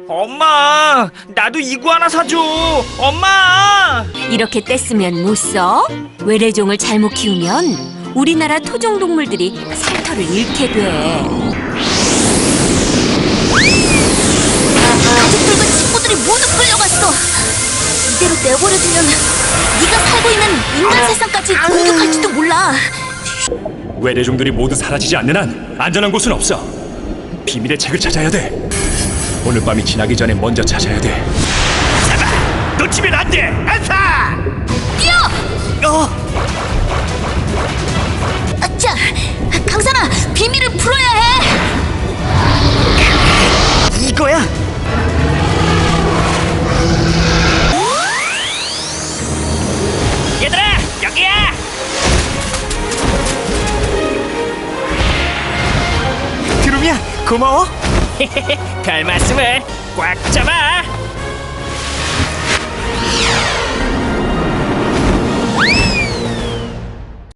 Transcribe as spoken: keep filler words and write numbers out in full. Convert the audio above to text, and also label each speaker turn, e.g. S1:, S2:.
S1: 엄마, 나도 이구 하나 사줘. 엄마!
S2: 이렇게 떼쓰면 못 써? 외래종을 잘못 키우면 우리나라 토종 동물들이 살터를 잃게 돼.
S3: 가족들과 친구들이 모두 끌려갔어. 이대로 내버려두면 네가 살고 있는 인간 세상까지 공격할지도 몰라.
S4: 외래종들이 모두 사라지지 않는 한 안전한 곳은 없어. 비밀의 책을 찾아야 돼. 오늘 밤이 지나기 전에 먼저 찾아야 돼. 잡아! 놓치면 안 돼! 안사!
S3: 뛰어!
S1: 어,
S3: 아차! 강산아, 비밀을 풀어야 해!
S1: 이거야. 얘들아, 여기야. 드lum이야, 고마워. 별 말씀을. 꽉 잡아.